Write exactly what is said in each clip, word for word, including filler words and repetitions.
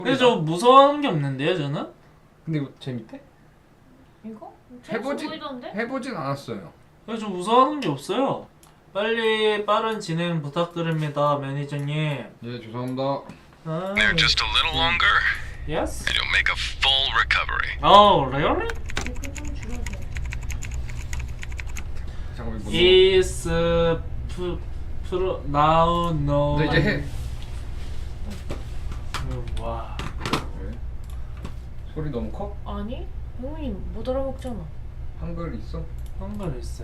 근데 저 무서워하는 게 없는데요, 저는? 근데 이거 재밌대? 이거? 해보지- 보이던데? 해보진 않았어요. 근데 저 무서워하는 게 없어요. 빨리 빠른 진행 부탁드립니다, 매니저님. 예, 죄송합니다. 아, There just a little longer, yes? and you'll make a full recovery. Oh, really? 이거 좀 줄여줘. 잠깐만 이거. Is 프 프로 now no. 너 이제 해. 와. 왜? 소리 너무 커? 아니? 형이 못 알아먹잖아. 한글 있어? 한글 있어요?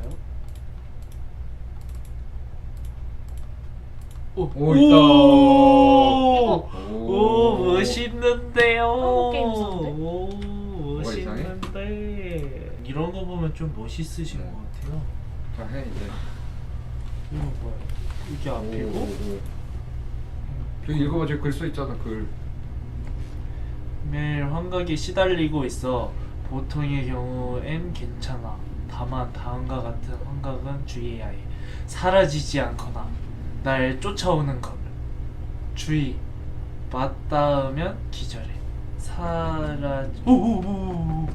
오, 오, 있다. 오, 오, 오 멋있는데요. 한국 게임 있었는데? 오 뭐가 이상해? 멋있는데. 이런 거 보면 좀 멋있으신 네. 것 같아요. 자, 해 이제. 이거 뭐야? 이게 오, 앞이고? 오. 저기 읽어봐, 저기 글 써 있잖아, 글. 매일 환각에 시달리고 있어. 보통의 경우엔 괜찮아. 다만 다음과 같은 환각은 주의해야 해. 사라지지 않거나 날 쫓아오는 것. 주의. 맞닿으면 기절해. 사라. 오오오.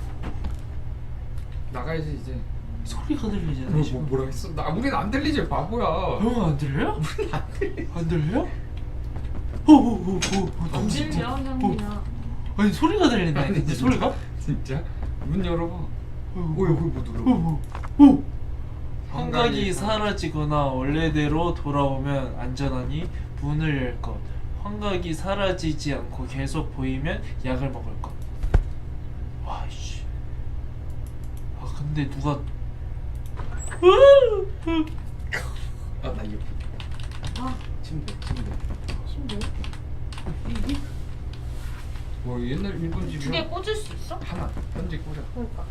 나가야지 이제. 소리가 들리잖아 뭐, 지금. 뭐 뭐라 했어? 나 우린 안 들리지, 바보야. 형 안 들려요? 안 들려요? 오오오오. 안 들려, 형이야. 아니 소리가 들린다. 아니, 근데 진짜? 소리가? 진짜? 문 열어봐. 오, 오, 여기 뭐 눌러? 오, 오. 환각이 환각이 사라지거나 원래대로 돌아오면 안전하니 문을 열 것. 환각이 사라지지 않고 계속 보이면 약을 먹을 것. 와 씨. 아 근데 누가? 아, 나 이거. 아, 침대, 침대. 신기해. 뭐 옛날 일본 집이야. 두 개 꽂을 수 있어? 하나, 현지 꽂아. 그러니까.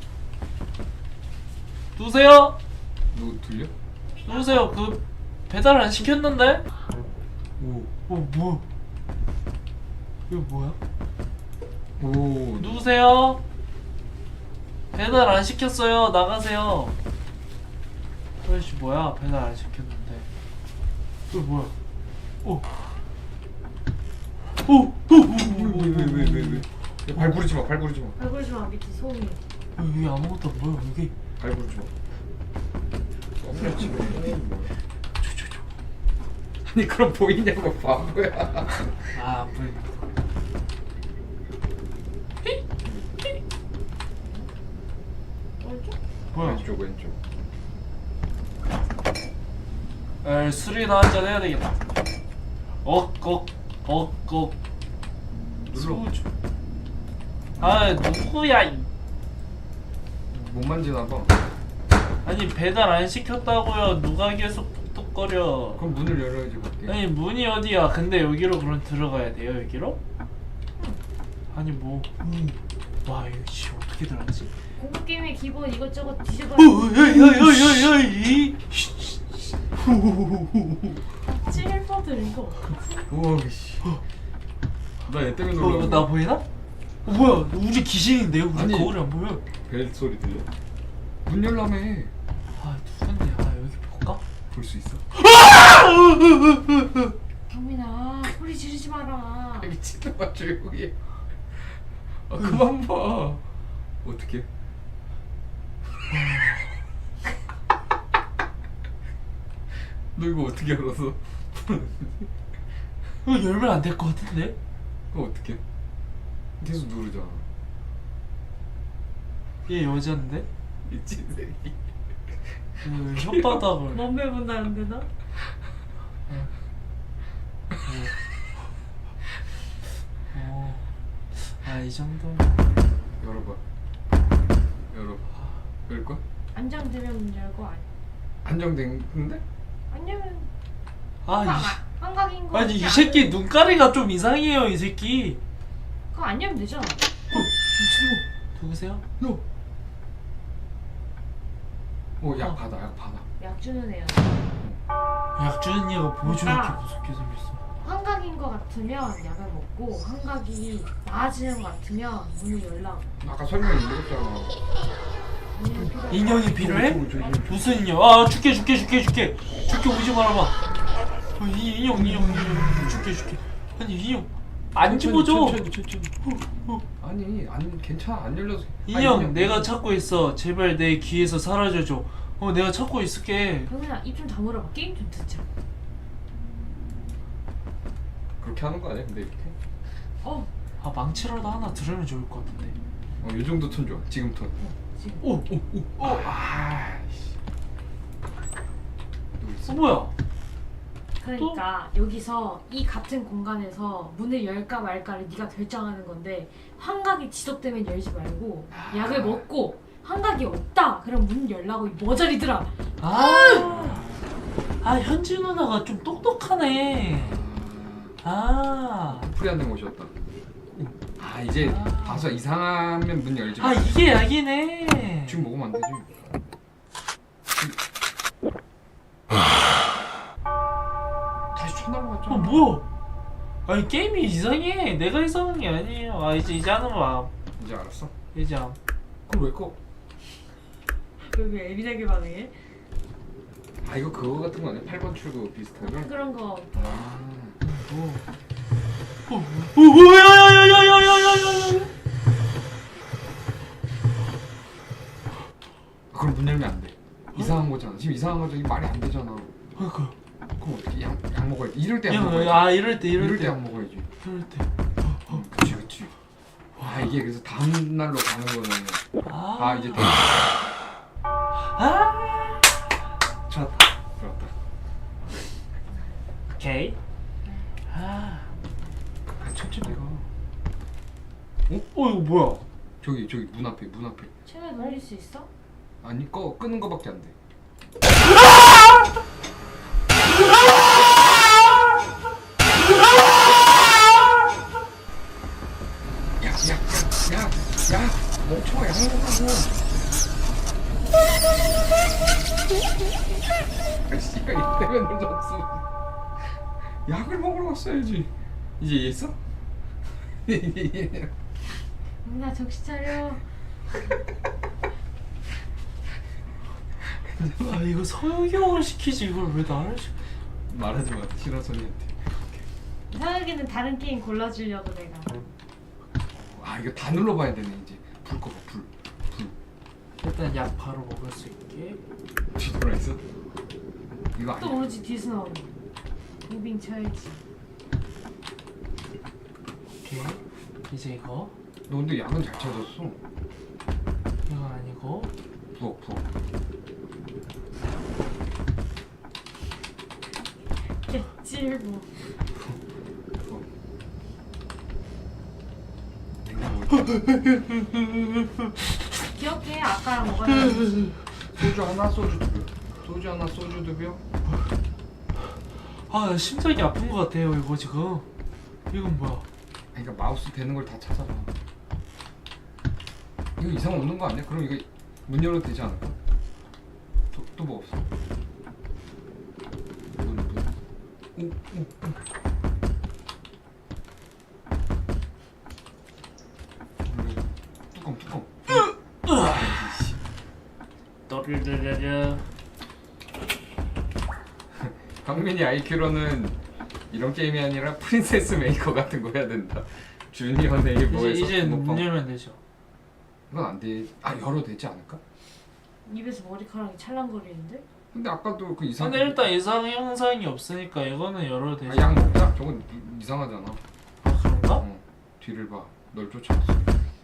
누구세요? 누구 들려? 누구세요? 그 배달 안 시켰는데? 오, 어 뭐? 이거 뭐야? 오, 누구세요? 배달 안 시켰어요. 나가세요. 아저씨 뭐야? 배달 안 시켰는데. 이거 뭐야? 오. 오. 오. 왜왜왜왜 왜, 왜, 왜? 발 부르지 마, 발 부르지 마, 발굴지 마, 밑에 소음이. 여기 아무것도 안 보여. 여기. 발 부르지 마. 썸네 집에. 아니 그럼 보이냐고 바보야. 아, 안 보인다. 왼쪽? 뭐야? 왼쪽 왼쪽. 에, 술이나 한잔 해야 되겠다. 억억 억억 눌러. 소주. 아, 누구야? 이- 못 만지나 봐. 아니 배달 안 시켰다고요. 누가 계속 톡톡거려. 그럼 문을 열어야지 밖에. 아니 문이 어디야? 근데 여기로 그럼 들어가야 돼요? 여기로? 아니 뭐? 음. 와 이거 씨 어떻게 들어가지? 공포 게임의 기본 이것저것 뒤져봐. 야야야야야이. 찔퍼들 이거. 우와 씨. 나얘 때문에 어, 놀라. 나 보이나? 어, 뭐야? 우리 귀신인데요? 우리 아니. 거울이 안 보여. 벨 소리 들려? 문 열라며. 아 누군데? 아 여기 볼까? 볼 수 있어? 경민아, 소리 지르지 마라. 미친놈아 조용히 해. 아 그만 봐. 어떻게? 너 이거 어떻게 알았어? 이거 열면 안 될 것 같은데? 그거 어떻게? 계속 누르잖아. 얘 여잔데? 미친 새끼. 그 혓바닥을. 넌배 본다는데 나? 어. 아 이 정도. 열어봐. 열어봐. 열 거야? 안장되면 문 열고 안. 안정됐는데? 아니면 아 이. 한각인 거. 아니 이 같지 새끼 않은- 눈가리가 좀 이상해요 이 새끼. 그거 안 열면 되잖아. 미친놈. 누구세요? 너. 오, 약 받아, 약 받아. 약 주는 애야. 약 주는 얘가 보여주는 게 아. 무섭게 생겼어. 환각인 거 같으면 약을 먹고 환각이 나아지는 거 같으면 문을 열라. 아까 설명 읽었잖아. 아니면 필요. 인형이 필요해? 저기, 저기, 저기. 무슨 인형? 아 줄게 줄게 줄게 줄게 줄게 오지 말아봐. 어, 이 인형 인형 인형 줄게 줄게. 아니 인형 안 집어줘. 천천히 천천히. 아니 안 괜찮아 안 열려서. 인형 내가 찾고 있어. 제발 내 귀에서 사라져줘. 어 내가 찾고 있을게. 병현아 입 좀 다물어봐. 게임 좀 듣자. 그렇게 하는 거 아니야? 근데 이렇게. 어 아 망치라도 하나 들으면 좋을 것 같은데. 어, 이 정도 톤 좋아. 지금 톤. 지금 오오오 오. 아, 씨. 또 어 있어. 뭐야? 그러니까 여기서 이 같은 공간에서 문을 열까 말까를 네가 결정하는 건데 환각이 지속되면 열지 말고 약을 먹고 환각이 없다 그럼 문 열라고 이 머저리들아. 아, 아 현지 누나가 좀 똑똑하네. 아, 프리한테 모셨다. 아 이제 아. 봐서 이상하면 문 열지 마. 아 이게 약이네. 지금 먹으면 안 되지. 다시 쳐날라갔잖아. 어 뭐야? 아니 게임이 이상해. 내가 이상한 게 아니에요. 아 이제 이제 하는 마음. 이제 알았어? 이제 함. 그럼 왜 꺼? 여기 예민하게 반응해? 아 이거 그거 같은 거 아니야? 팔 번 출구 비슷하게? 그런 거 아 어. 어, 어, 어, 야야야야야야야야야. 그럼 문 열면 안 돼. 이상한 거잖아. 지금 이상한 거잖아. 이게 말이 안 되잖아. 그러니까. 그럼 어떻게 약, 약 먹어야지. 이럴 때 약 야, 먹어야지. 아 이럴 때 이럴, 이럴 때. 때 약 먹어야지. 이럴 때. 응, 그치 그치. 아 이게 그래서 다음 날로 가는 거는 아, 아 이제 돼. 아. 좋았다. 들어왔다. 오케이. 아. 아 천천히 가. 어? 어 이거 뭐야? 저기 저기 문 앞에 문 앞에. 채널 돌릴 수 있어? 아니 꺼 끄는 거밖에 안 돼. 야야야야야 멈춰 약 먹으라고. 아씨 이때면 늦었어. 약을 먹으러 갔어야지. 이제 이해했어? 나 정신 차려. 아 이거 성형을 시키지 이걸 왜 나를 시? 말하지 마 신하선이한테. 이상하게는 다른 게임 골라주려고 내가. 아 이거 다 눌러봐야 되네 이제. 불 꺼봐 불. 불. 일단 약 바로 먹을 수 있게. 뒤돌아 있어? 이거 또 아니야. 모르지 뒤에서 나오니. 무빙 쳐야지. 오케이. 이제 이거 너 근데 약은 잘 찾았어. 이거 아니고. 부엌 부엌. 개찔보. 부엌. 냉장고에 기억해 아까랑 뭐가 다른지. 소주 하나 소주 두 병. 소주 하나 소주 두 병. 아 나 심장이 아픈 것 같아요 이거 지금. 이건 뭐야? 아니, 그러니까 마우스 되는 걸 다 찾아봐. 이거 이상 없는 거 아니야? 그럼 이거 문 열어도 되지 않을까? 또 뭐 없어? 문 문. 오 오 오. 뚜껑 뚜껑. 아이씨. 떠르르르르. 강민이 아이큐로는 이런 게임이 아니라 프린세스 메이커 같은 거 해야 된다. 주니어 네이버에서 이제 이제 문 뭐 열면 되죠. 이건 안 돼. 아 열어도 되지 않을까? 입에서 머리카락이 찰랑거리는데? 근데 아까도 그 이상. 근데 일단 이상 형상이 없으니까 이거는 열어도 되죠. 아, 약 먹자. 저건 이- 이상하잖아. 아 그런가? 어. 뒤를 봐. 널 쫓아왔어.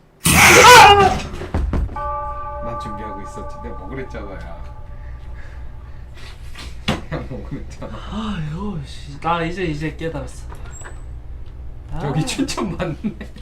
난 준비하고 있었지. 내가 먹으랬잖아, 야. 약 먹으랬잖아. 아유 씨. 나 이제 이제 깨달았어. 아, 저기 춘천 맞네.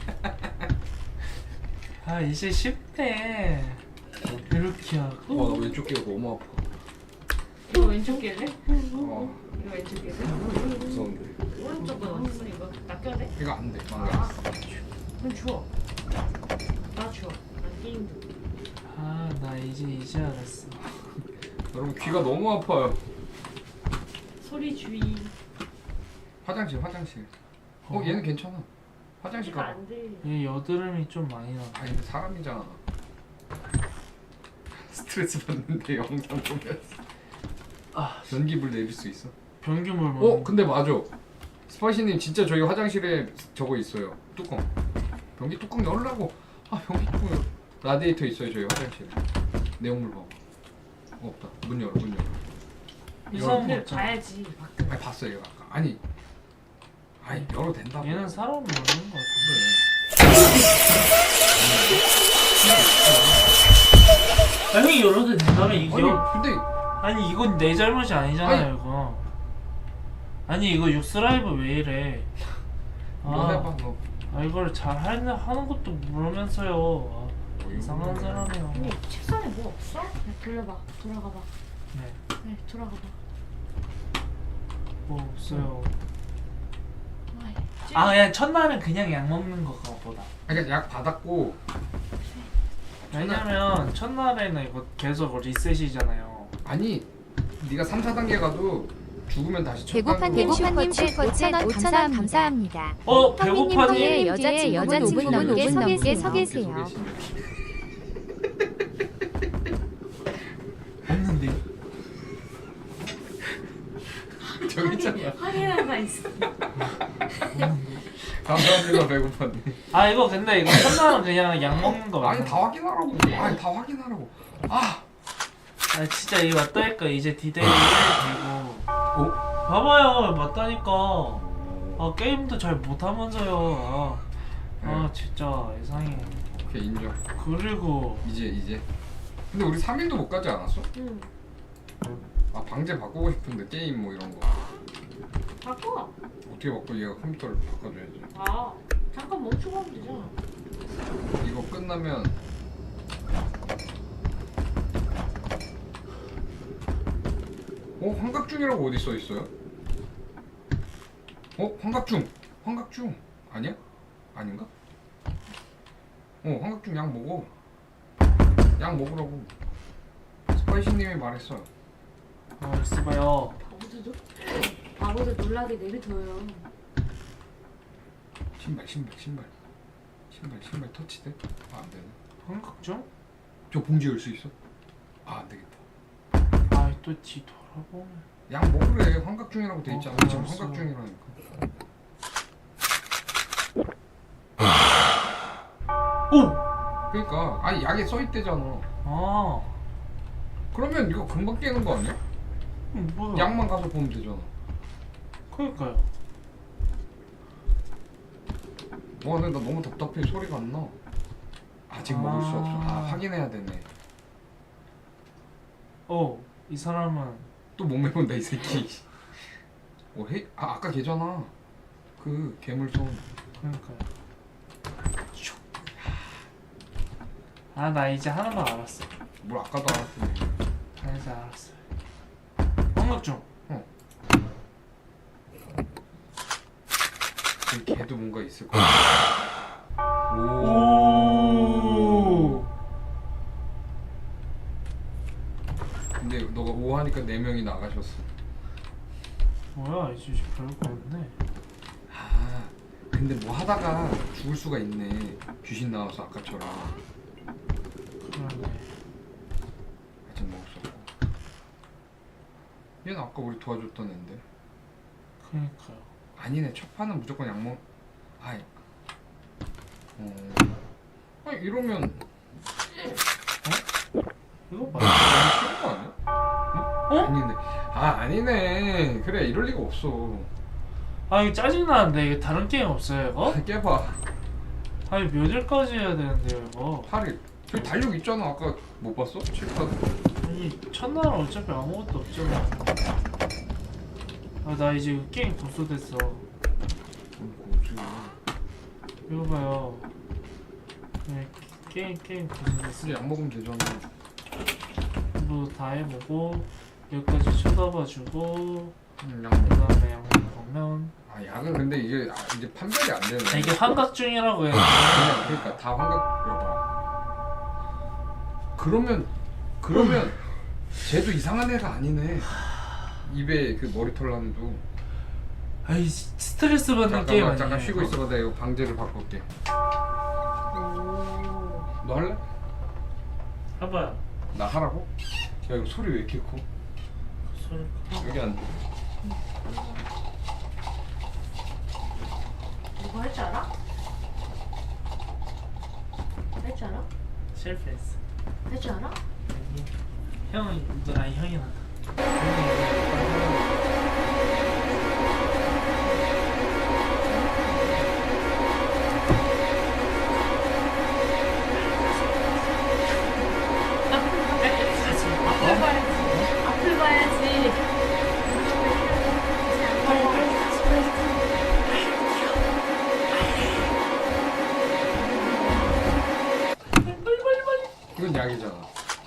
아 이제 쉽네. 이렇게 와, 하고. 나 왼쪽 귀가 너무 아파. 이거 왼쪽 낄래? 어, 이거 왼쪽 낄래? 무서운데. 오른쪽은 어딨어 이거? 나 껴야 돼? 이거 안 돼. 망가. 아 그럼 주워. 나 주워. 난 게임도. 아 나 이제 이제 알았어. 여러분 귀가 너무 아파요. 소리 주의. 화장실, 화장실. 어, 얘는 괜찮아. 화장실 이거 가봐. 안 돼. 얘 여드름이 좀 많이 나. 아니, 근데 사람이잖아. 스트레스 받는데 영상 보면서 아 전기불 내릴 수 있어. 변기물 먹는. 어, 근데 맞아. 스파이시님 진짜 저희 화장실에 저거 있어요. 뚜껑. 변기 뚜껑 열라고. 아 변기 뚜껑 열. 라디에이터 있어요 저희 화장실에. 내용물 봐봐. 어, 없다. 문 열어 문 열어. 이상한 거 근데 없잖아. 봐야지. 아니 봤어요 이거 아까. 아니. 아니 열어도 된다고. 얘는 사람 모르는 거 같아. 그래. 아니 열어도 된다며 이게. 아니 근데 아니 이건 내 잘못이 아니잖아요 아니. 이거. 아니 이거 육스라이브 왜 이래? 너 아, 해봐 너. 아 이걸 잘 하는 하는 것도 모르면서요. 아, 이상한 사람이야. 근데 책상에 뭐 없어? 네, 돌려봐. 돌아가봐. 네, 네, 돌아가봐. 뭐 없어요. 아이, 아 그냥 첫날은 그냥 약 먹는 거가 보다. 그러니까 약 받았고. 왜냐면 첫날에는 이거 계속 리셋이잖아요. 아니 네가 삼, 사 단계 가도 죽으면 다시 첫 배고파님 단계로. 슈퍼챗 오천 원 감사합니다. 어 형님 배고파니? 뒤에 여자친구분 오 분 넘게 서 계세요. 서 계세요. 없는데. 저기 있잖아. 확인하가 있어. 감사합니다 배고파님. 아 이거 근데 이거 첫날은 그냥 약 먹는 거 아니 맞나? 다 확인하라고. 아니 다 확인하라고. 아. 아 진짜 이거 맞다니까 이제 디데이 일 되고. 어? 봐봐요 맞다니까. 아 게임도 잘 못하면서요. 아, 아 진짜 이상해. 오케이 인정. 그리고 이제 이제. 근데 우리 삼 일도 못 가지 않았어? 응. 아 방제 바꾸고 싶은데 게임 뭐 이런 거 바꿔. 어떻게 바꿔? 얘가 컴퓨터를 바꿔줘야지. 아, 잠깐 멈추고 하면 되잖아. 이거 끝나면 어? 환각중이라고 어디 써 있어요? 어? 환각중! 환각중! 아니야? 아닌가? 어 환각중 약 먹어. 약 먹으라고 스파이시님이 말했어. 어 있어봐요. 바보들도 바보들 놀라게 내비둬요. 신발 신발 신발 신발 신발 터치돼? 아 안되네. 환각중? 저 봉지 열 수 있어? 아 안되겠다. 아또 뒤 돌아보면. 약 먹으래. 환각중이라고 돼 있잖아. 어, 지금 알았어. 환각중이라니까. 오! 그러니까 아니 약에 써 있대잖아. 아 그러면 이거 금방 깨는 거 아니야? 음, 뭐야? 약만 가서 보면 되잖아. 그러니까요. 와 근데 나 너무 답답해. 소리가 안 나. 아직 아. 먹을 수 없어. 아 확인해야 되네. 어, 이 사람은 또 못 메운다 이 새끼. 어 해? 아 아까 걔잖아. 그 괴물손. 그러니까요. 아, 나 이제 하는 거 알았어. 뭘 아까도 알았더니. 나 이제 알았어. 환각중. 그 걔도 뭔가 있을 거야. 오. 오. 근데 너가 오 하니까 네 명이 나가셨어. 뭐야, 이제 별거 없네. 아 근데 뭐 하다가 죽을 수가 있네. 귀신 나와서 아까처럼. 그러네. 아직 먹을 수 없고. 얘는 아까 우리 도와줬던 앤데. 그러니까요. 아니네. 첫 판은 무조건 약 먹. 아이. 어. 아니 이러면 이거 너무 봐. 쉬운 거 아니야? 어? 아니네. 아 아니네. 그래 이럴 리가 없어. 아, 이거 짜증나는데 이게 다른 게임 없어요, 이거? 깨봐. 아니, 몇 일까지 해야 되는데요, 이거? 팔 일. 저기 달력 있잖아. 아까 못 봤어? 칠판. 아니, 첫날은 어차피 아무것도 없잖아. 아, 나 이제 이거 게임 고소됐어. 고수. 이거 봐요. 네, 게임, 게임 고소됐어. 근데 약 먹으면 되잖아. 뭐 다 해보고, 여기까지 쳐다봐주고, 응, 약 그 먹어. 다음에 약 먹으면. 아 약은 근데 이게 아, 이제 판별이 안 되네. 아, 이게 환각중이라고 해야 그냥 그러니까 다 환각. 여봐. 그러면 그러면 쟤도 이상한 애가 아니네. 입에 그 머리털 남도. 아이, 스트레스 받는 게임 잠깐만 아니야. 잠깐 쉬고 있어봐. 내가 이거 방제를 바꿀게. 오. 너 할래? 해봐요. 나 하라고? 야 이거 소리 왜 이렇게 커? 소리. 여기 안 돼. 그거 할 줄 알아? 할 줄 알아? 실패했어. 할 줄 알아? 아니, 형은 아니 형이 낫다. 앞을 봐야지. 앞을 봐야지. 이건 약이잖아.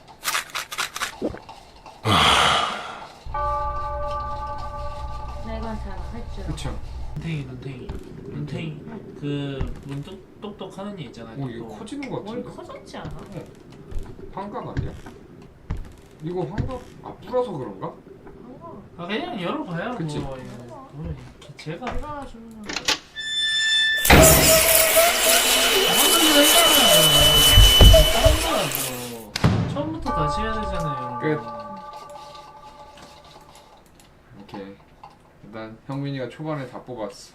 내가 잘할 줄 알아. 그쵸? 눈탱이 눈탱이 눈탱이 그문 똑똑똑하는 애 있잖아. 오 이거 커지는 거 머리 같은데? 커졌지 않아? 환각 아니야? 이거 환각 아 불어서 그런가? 아 그냥 열어봐요. 그치. 뭐, 이거. 뭐, 이렇게 제가 얼마나 좋냐. 다른 거야 뭐. 처음부터 다시 해야 되잖아요. 끝. 여러분. 오케이. 일단 형민이가 초반에 다 뽑았어.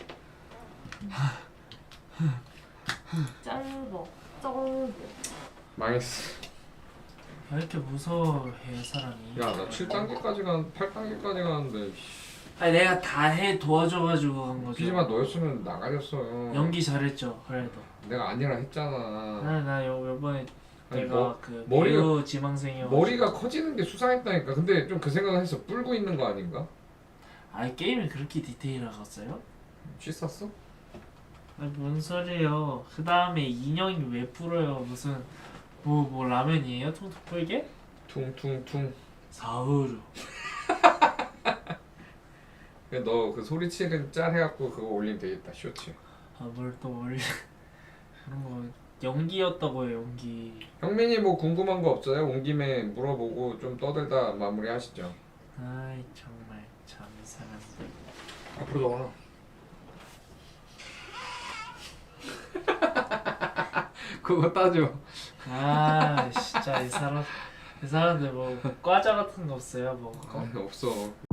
짧어. 쩔고. 망했어. 왜 이렇게 무서워해 사람이? 야 나 칠 단계까지 간 팔 단계까지 가는데 아니 내가 다 해 도와줘가지고 간 거죠. 피지만 너였으면 나가렸어. 연기 잘했죠. 그래도. 내가 아니라 했잖아. 나나 요번에 아니, 내가 뭐, 그 머리가- 배우 지망생이어. 머리가 커지는 게 수상했다니까. 근데 좀 그 생각을 했어. 뿔고 있는 거 아닌가? 아 게임이 그렇게 디테일하겠어요? 씻었어? 아니 뭔 소리예요? 그 다음에 인형이 왜 불어요? 무슨 뭐 뭐 라면이에요? 퉁퉁 불게? 퉁퉁퉁. 사우루. 너 그 소리치는 짤 해갖고 그거 올리면 되겠다. 쇼츠. 아뭘 또 원래 그런 거 연기였다고요 연기. 형민이 뭐 궁금한 거 없어요? 온 김에 물어보고 좀 떠들다 마무리하시죠. 아이 정말 참 이상한데. 앞으로 나와. 그거 따져. 아 진짜 이 사람 이 사람들 뭐 과자 같은 거 없어요 뭐. 아니 없어.